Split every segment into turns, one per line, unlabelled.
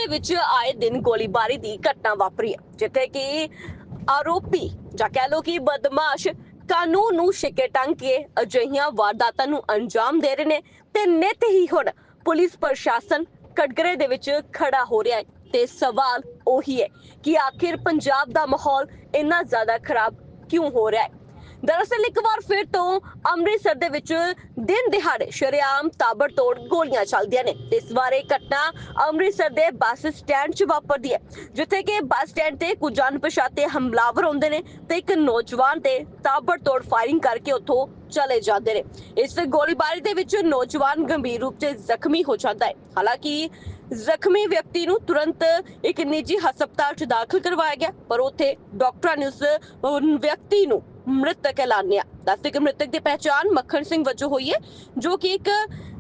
ਦੇ ਵਿੱਚ ਆਏ ਦਿਨ ਗੋਲੀਬਾਰੀ ਦੀ ਘਟਨਾ ਵਾਪਰੀ ਹੈ, ਜਿੱਥੇ ਕਿ ਆਰੋਪੀ ਜਾਂ ਕਹਿ ਲੋ ਕਿ ਬਦਮਾਸ਼ ਕਾਨੂੰਨ ਨੂੰ ਛਿੱਕੇ ਟੰਗ ਕੇ ਅਜਿਹੀਆਂ ਵਾਰਦਾਤਾਂ ਨੂੰ ਅੰਜਾਮ ਦੇ ਰਹੇ ਨੇ ਤੇ ਨਿੱਤ ਹੀ ਹੁਣ ਪੁਲਿਸ ਪ੍ਰਸ਼ਾਸਨ ਕਟਘਰੇ ਦੇ ਵਿੱਚ ਖੜਾ ਹੋ ਰਿਹਾ ਹੈ। ਤੇ ਸਵਾਲ ਉਹੀ ਹੈ ਕਿ ਆਖਿਰ ਪੰਜਾਬ ਦਾ ਮਾਹੌਲ ਇੰਨਾ ਜ਼ਿਆਦਾ ਖਰਾਬ ਕਿਉਂ ਹੋ ਰਿਹਾ ਹੈ। दरअसल एक बार फिर तो ਅੰਮ੍ਰਿਤਸਰ ਦੇ ਵਿੱਚ ਦਿਨ ਦਿਹਾੜੇ ਸ਼ਰੇਆਮ ਤਾਬੜਤੋੜ ਗੋਲੀਆਂ ਚੱਲਦੀਆਂ ਨੇ ਤੇ ਇਸ ਵਾਰ ਇਹ ਘਟਨਾ ਅੰਮ੍ਰਿਤਸਰ ਦੇ ਬੱਸ ਸਟੈਂਡ 'ਚ ਵਾਪਰਦੀ ਹੈ, ਜਿੱਥੇ ਕਿ ਬੱਸ ਸਟੈਂਡ ਤੇ ਕੁਝ ਅਣਪਛਾਤੇ ਹਮਲਾਵਰ ਆਉਂਦੇ ਨੇ ਤੇ ਇੱਕ ਨੌਜਵਾਨ ਤੇ ਤਾਬੜਤੋੜ ਫਾਇਰਿੰਗ ਕਰਕੇ ਉੱਥੋਂ ਚਲੇ ਜਾਂਦੇ ਨੇ। ਇਸ ਗੋਲੀਬਾਰੀ ਦੇ ਵਿੱਚ ਨੌਜਵਾਨ ਗੰਭੀਰ ਰੂਪ 'ਚ ਜ਼ਖਮੀ ਹੋ ਜਾਂਦਾ ਹੈ। ਹਾਲਾਂਕਿ ਜ਼ਖਮੀ ਵਿਅਕਤੀ ਨੂੰ ਤੁਰੰਤ ਇੱਕ ਨਿੱਜੀ ਹਸਪਤਾਲ 'ਚ ਦਾਖਲ ਕਰਵਾਇਆ ਗਿਆ, ਪਰ ਉੱਥੇ ਡਾਕਟਰਾਂ ਨੇ ਉਸ ਵਿਅਕਤੀ ਨੂੰ ਮ੍ਰਿਤਕ ਐਲਾਨਿਆ। ਦੱਸਦੇ ਕਿ ਮ੍ਰਿਤਕ ਦੀ ਪਹਿਚਾਣ ਮੱਖਣ ਸਿੰਘ ਵਜੋਂ ਹੋਈ ਹੈ, ਜੋ ਕਿ ਇੱਕ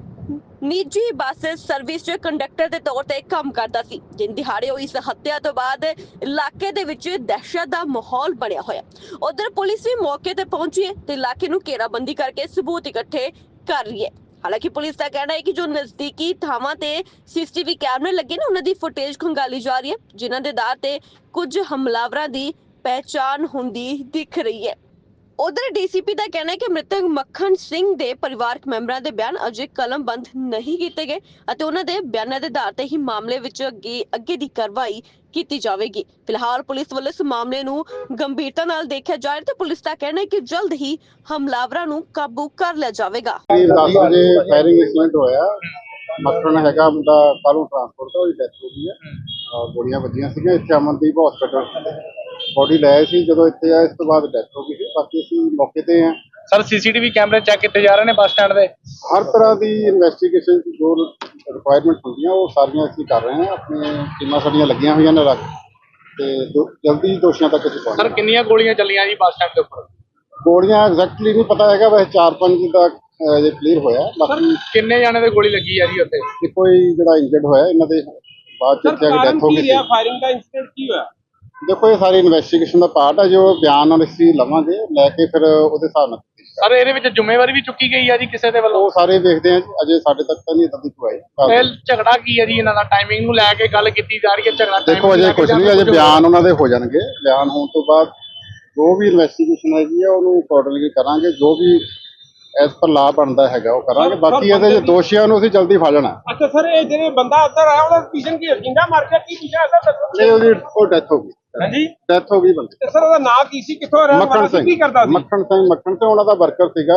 ਨਿੱਜੀ ਬੱਸ ਸਰਵਿਸ 'ਚ ਕੰਡਕਟਰ ਦੇ ਤੌਰ ਤੇ ਕੰਮ ਕਰਦਾ ਸੀ। ਦਿਨ ਦਿਹਾੜੇ ਹੋਈ ਇਸ ਹੱਤਿਆ ਤੋਂ ਬਾਅਦ ਇਲਾਕੇ ਦੇ ਵਿੱਚ ਦਹਿਸ਼ਤ ਦਾ ਮਾਹੌਲ ਬਣਿਆ ਹੋਇਆ। ਉਧਰ ਪੁਲਿਸ ਵੀ ਮੌਕੇ ਤੇ ਪਹੁੰਚੀ ਹੈ ਤੇ ਇਲਾਕੇ ਨੂੰ ਘੇਰਾਬੰਦੀ ਕਰਕੇ ਸਬੂਤ ਇਕੱਠੇ ਕਰ ਰਹੀ ਹੈ। ਹਾਲਾਂਕਿ ਪੁਲਿਸ ਦਾ ਕਹਿਣਾ ਹੈ ਕਿ ਜੋ ਨਜ਼ਦੀਕੀ ਥਾਵਾਂ ਤੇ ਸੀਸੀਟੀਵੀ ਕੈਮਰੇ ਲੱਗੇ ਨੇ, ਉਹਨਾਂ ਦੀ ਫੁਟੇਜ ਖੰਗਾਲੀ ਜਾ ਰਹੀ ਹੈ, ਜਿਨ੍ਹਾਂ ਦੇ ਆਧਾਰ ਤੇ ਕੁਝ ਹਮਲਾਵਰਾਂ ਦੀ ਪਹਿਚਾਣ ਹੁੰਦੀ ਦਿਖ ਰਹੀ ਹੈ। ਉਧਰ ਡੀਸੀਪੀ ਦਾ ਕਹਿਣਾ ਹੈ ਕਿ ਮ੍ਰਿਤਕ ਮੱਖਣ ਸਿੰਘ ਦੇ ਪਰਿਵਾਰਕ ਮੈਂਬਰਾਂ ਦੇ ਬਿਆਨ ਅਜੇ ਕਲਮਬੰਦ ਨਹੀਂ ਕੀਤੇ ਗਏ ਅਤੇ ਉਹਨਾਂ ਦੇ ਬਿਆਨਾਂ ਦੇ ਆਧਾਰ ਤੇ ਹੀ ਮਾਮਲੇ ਵਿੱਚ ਅੱਗੇ ਦੀ ਕਾਰਵਾਈ ਕੀਤੀ ਜਾਵੇਗੀ। ਫਿਲਹਾਲ ਪੁਲਿਸ ਵੱਲੋਂ ਇਸ ਮਾਮਲੇ ਨੂੰ ਗੰਭੀਰਤਾ ਨਾਲ ਦੇਖਿਆ ਜਾ ਰਿਹਾ ਤੇ ਪੁਲਿਸ ਦਾ ਕਹਿਣਾ ਹੈ ਕਿ ਜਲਦ ਹੀ ਹਮਲਾਵਰਾਂ ਨੂੰ ਕਾਬੂ ਕਰ ਲਿਆ ਜਾਵੇਗਾ।
10 ਵਜੇ ਫਾਇਰਿੰਗ ਇਨਸੀਡੈਂਟ ਹੋਇਆ। ਮੱਖਣ ਹੈਗਾ ਮੁੰਡਾ ਕਾਲੂ ਟਰਾਂਸਪੋਰਟ ਦਾ, ਉਹਦੀ ਡੈਥ ਹੋ ਗਈ ਹੈ। ਗੋਲੀਆਂ ਵੱਜੀਆਂ ਸੀਗੀਆਂ ਇੱਥੇ ਅਮਨਦੀਪ ਹਸਪੀਟਲ, ਬੋਡੀ ਲਾਇਆ ਸੀ। ਜਦੋਂ ਇੱਥੇ ਆਇਆ ਇਸ ਤੋਂ ਬਾਅਦ ਡੈਥ ਹੋ ਗਈ ਸੀ। ਬਾਕੀ ਅਸੀਂ ਮੌਕੇ ਤੇ ਹਾਂ
ਸਰ। ਸੀਸੀਟੀਵੀ ਕੈਮਰੇ ਚੈੱਕ ਕੀਤੇ ਜਾ ਰਹੇ ਨੇ ਬੱਸ ਸਟੈਂਡ ਦੇ।
ਹਰ ਤਰ੍ਹਾਂ ਦੀ ਇਨਵੈਸਟੀਗੇਸ਼ਨ ਜੋ ਰਿਕੁਆਇਰਮੈਂਟ ਹੁੰਦੀਆਂ ਉਹ ਸਾਰੀਆਂ ਅਸੀਂ ਕਰ ਰਹੇ ਹਾਂ। ਆਪਣੀਆਂ ਟੀਮਾਂ ਸਾਡੀਆਂ ਲੱਗੀਆਂ ਹੋਈਆਂ ਨੇ ਰੱਖ ਤੇ ਜਲਦੀ ਦੋਸ਼ੀਆਂ ਤੱਕ ਅਸੀਂ ਪਹੁੰਚਾਂਗੇ।
ਸਰ ਕਿੰਨੀਆਂ ਗੋਲੀਆਂ ਚੱਲੀਆਂ ਜੀ ਬੱਸ ਸਟੈਂਡ ਦੇ ਉੱਪਰ?
ਗੋਲੀਆਂ ਐਗਜ਼ੈਕਟਲੀ ਨਹੀਂ ਪਤਾ ਹੈਗਾ, ਵੈਸੇ 4-5 ਦਾ ਜੇ ਕਲੀਅਰ ਹੋਇਆ। ਬਾਕੀ
ਕਿੰਨੇ ਜਾਣੇ ਦੇ ਗੋਲੀ ਲੱਗੀ ਆ ਜੀ ਉੱਥੇ?
ਕੋਈ ਜਿਹੜਾ ਇੰਜਰਡ ਹੋਇਆ ਇਹਨਾਂ ਦੇ ਬਾਅਦ ਚ ਇੱਥੇ ਆ ਕੇ ਡੈਥ ਹੋ ਗਈ।
ਫਾਇਰਿੰਗ ਦਾ ਇਨਸੀਡੈਂਟ ਕੀ ਹੋਇਆ?
ਦੇਖੋ ਇਹ ਸਾਰੀ ਇਨਵੈਸਟੀਗੇਸ਼ਨ ਦਾ ਪਾਰਟ ਹੈ, ਜੋ ਬਿਆਨ ਨਾਲ ਅਸੀਂ ਲਵਾਂਗੇ ਲੈ ਕੇ ਫਿਰ ਉਹਦੇ ਹਿਸਾਬ ਨਾਲ।
ਸਰ ਇਹਦੇ ਵਿੱਚ ਜ਼ਿੰਮੇਵਾਰੀ ਵੀ ਚੁੱਕੀ ਗਈ ਆ ਜੀ ਕਿਸੇ ਦੇ ਵੱਲੋਂ?
ਉਹ ਸਾਰੇ ਵੇਖਦੇ ਆ, ਅਜੇ ਸਾਡੇ ਤੱਕ ਤਾਂ ਨਹੀਂ ਇਦਾਂ ਦੀ ਕੋਈ ਆਈ।
ਇਹ ਝਗੜਾ ਕੀ ਹੈ ਜੀ ਇਹਨਾਂ ਦਾ? ਟਾਈਮਿੰਗ ਨੂੰ ਲੈ ਕੇ ਗੱਲ ਕੀਤੀ ਜਾ ਰਹੀ ਹੈ। ਝਗੜਾ
ਦੇਖੋ ਅਜੇ ਕੁਝ ਨਹੀਂ, ਅਜੇ ਬਿਆਨ ਉਹਨਾਂ ਦੇ ਹੋ ਜਾਣਗੇ। ਬਿਆਨ ਹੋਣ ਤੋਂ ਬਾਅਦ ਜੋ ਵੀ ਇਨਵੈਸਟੀਗੇਸ਼ਨ ਹੈਗੀ ਆ ਉਹਨੂੰ ਅਕੋਰਡਿੰਗਲੀ ਕਰਾਂਗੇ। ਜੋ ਵੀ ਐਸ ਪਰ ਲਾਅ ਬਣਦਾ ਹੈਗਾ ਉਹ ਕਰਾਂਗੇ। ਬਾਕੀ ਇਹਦੇ ਦੋਸ਼ੀਆਂ ਨੂੰ ਅਸੀਂ ਜਲਦੀ ਫੜ ਲੈਣਾ।
ਅੱਛਾ ਸਰ, ਇਹ ਜਿਹੜੇ ਬੰਦਾ ਅੰਦਰ ਆਇਆ ਉਹਦਾ ਪੀਛੇ ਕੀ ਜਿੰਦਾ ਮਾਰ ਕੇ ਕੀ ਪੀਛਾ ਅੰਦਰ
ਨਹੀਂ, ਉਹਦੀ ਉਹ ਡੈਥ ਹੋ ਗਈ।
ਹਾਂਜੀ,
ਡੈਥ ਹੋ ਗਈ ਬੰਦੇ।
ਤੇ ਸਰ ਉਹਦਾ ਨਾਂ ਕੀ ਸੀ, ਕਿੱਥੋਂ ਰਹਿਣ ਵਾਲਾ ਸੀ, ਕੀ ਕਰਦਾ ਸੀ?
ਮੱਖਣ ਸਿੰਘ ਉਹਨਾਂ ਦਾ ਵਰਕਰ ਸੀਗਾ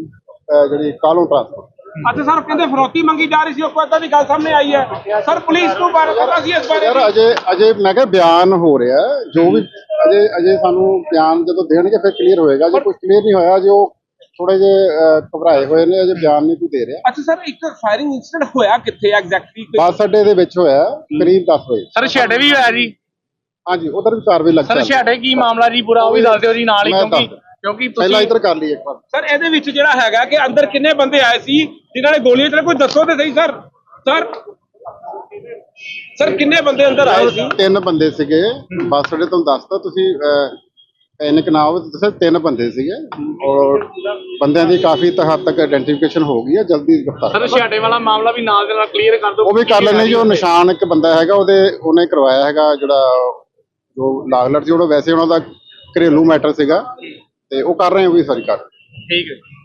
ਜਿਹੜੀ ਕਾਲੂ ਟਰਾਂਸਪੋਰਟ।
ਅੱਛਾ ਸਰ, ਕਹਿੰਦੇ ਫਰੋਤੀ ਮੰਗੀ ਜਾ ਰਹੀ ਸੀ, ਉਹ ਕੋਈ ਏਦਾਂ ਦੀ ਗੱਲ ਸਾਹਮਣੇ ਆਈ ਹੈ। ਸਰ ਪੁਲਿਸ ਨੂੰ ਬਾਰੇ ਪਤਾ ਸੀ ਇਸ ਬਾਰੇ?
ਯਾਰ ਅਜੇ ਮੈਂ ਕਿਹਾ ਬਿਆਨ ਹੋ ਰਿਹਾ, ਜੋ ਵੀ ਅਜੇ ਸਾਨੂੰ ਬਿਆਨ ਜਦੋਂ ਦੇਣਗੇ ਫਿਰ ਕਲੀਅਰ ਹੋਏਗਾ। ਜੇ ਕੁਝ ਕਲੀਅਰ ਨਹੀਂ ਹੋਇਆ, ਜੋ ਥੋੜੇ ਜਿਹੇ ਘਬਰਾਏ ਹੋਏ ਨੇ, ਅਜੇ ਬਿਆਨ ਨਹੀਂ ਕੋਈ ਦੇ ਰਿਹਾ।
ਅੱਛਾ ਸਰ, ਇੱਕ ਫਾਇਰਿੰਗ ਇਨਸੀਡੈਂਟ ਹੋਇਆ ਕਿੱਥੇ ਐਗਜ਼ੈਕਟਲੀ?
ਬੱਸ ਅੱਡੇ ਦੇ ਵਿੱਚ ਹੋਇਆ ਕਰੀਬ 10 ਵਜੇ।
ਸਰ ਛੇੜੇ ਵੀ ਹੋਇਆ ਜੀ?
ਹਾਂਜੀ, ਉਧਰ ਵੀ ਕਾਰਵਾਈ ਲੱਗ
ਸਰ ਛੇੜੇ ਕੀ ਮਾਮਲਾ ਜੀ ਪੂਰਾ ਉਹ ਵੀ ਦੱਸ ਦਿਓ ਜੀ ਨਾਲ ਹੀ, ਕਿਉਂਕਿ
ਪਹਿਲਾਂ ਇੱਧਰ ਕਰ ਲਈ ਇੱਕ ਵਾਰ।
ਸਰ ਇਹਦੇ ਵਿੱਚ ਜਿਹੜਾ ਹੈਗਾ ਕਿ ਅੰਦਰ ਕਿੰਨੇ ਬੰਦੇ ਆਏ ਸੀ ਜਿਨ੍ਹਾਂ ਨੇ ਗੋਲੀਆਂ ਚਲਾਈਆਂ, ਕੋਈ ਦੱਸੋ ਤੇ ਸਹੀ ਸਰ। ਸਰ ਕਿੰਨੇ ਬੰਦੇ ਅੰਦਰ ਆਏ ਸੀ?
3 ਬੰਦੇ ਸੀਗੇ ਬੱਸ ਅੱਡੇ ਤੋਂ। ਦੱਸਦਾ ਤੁਸੀਂ ਪੈਨਿਕ ਨਾ ਹੋਵੇ, ਦੱਸਿਆ 3 ਬੰਦੇ ਸੀਗੇ ਔਰ ਬੰਦਿਆਂ ਦੀ ਕਾਫੀ ਹੱਦ ਤੱਕ ਆਇਡੈਂਟੀਫਿਕੇਸ਼ਨ ਹੋ ਗਈ ਹੈ। ਜਲਦੀ ਗ੍ਰਿਫਤਾਰ
ਸਰ ਛੇੜੇ ਵਾਲਾ ਮਾਮਲਾ ਵੀ ਨਾਲ ਦੇ ਨਾਲ ਕਲੀਅਰ ਕਰ ਦਿਓ।
ਉਹ ਵੀ ਕਰ ਲੈਣੇ ਜੀ। ਉਹ ਨਿਸ਼ਾਨ ਇੱਕ ਬੰਦਾ ਹੈਗਾ ਉਹਨੇ ਕਰਵਾਇਆ ਹੈਗਾ, ਜਿਹੜਾ ਜੋ ਲਾਗਲਟ ਸੀ। ਉਹਦਾ ਵੈਸੇ ਉਹਨਾਂ ਦਾ ਘਰੇਲੂ ਮੈਟਰ ਸੀਗਾ ਤੇ ਉਹ ਕਰ ਰਹੇ ਹੋ ਵੀ ਸਾਰੀ ਕਰ।
ਠੀਕ ਹੈ।